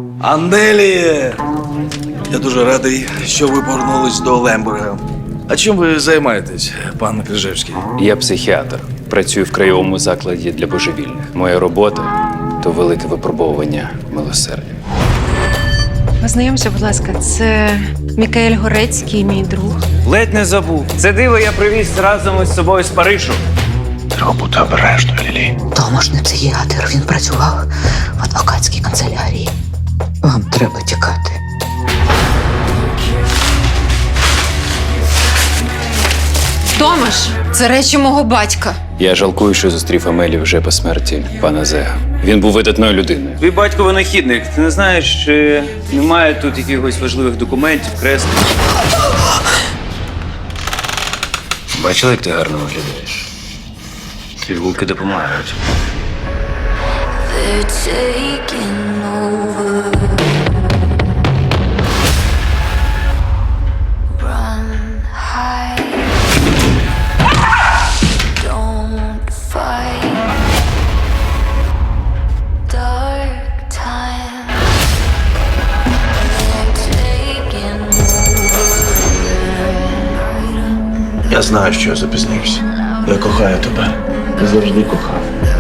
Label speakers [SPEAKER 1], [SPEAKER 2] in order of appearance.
[SPEAKER 1] Анделі! Я дуже радий, що ви повернулись до Лембурга. А чим ви займаєтесь, пан Крижевський?
[SPEAKER 2] Я психіатр. Працюю в краєвому закладі для божевільних. Моя робота то велике випробовування милосердя.
[SPEAKER 3] Познайомся, будь ласка, це Мікаель Горецький, мій друг.
[SPEAKER 2] Ледь не забув. Це диво я привіз разом із собою з Парижу.
[SPEAKER 1] Треба бути обережною, Лілі.
[SPEAKER 4] Томаш не психіатр, він працював в адвокатській канцелярії. Вам треба тікати.
[SPEAKER 3] Томаш, це речі мого батька.
[SPEAKER 2] Я жалкую, що зустрів Амелі вже по смерті пана Зега. Він був видатною людиною. Твій батько винахідник. Ти не знаєш, чи немає тут якихось важливих документів, креслень? Бачила, як ти гарно виглядаєш? Пігулки допомагають.
[SPEAKER 5] They're taking over. Run, hide. Don't fight. Dark time. They're taking over.
[SPEAKER 1] Я знаю, що я запізнився. Я кохаю тебе. Я завжди кохав.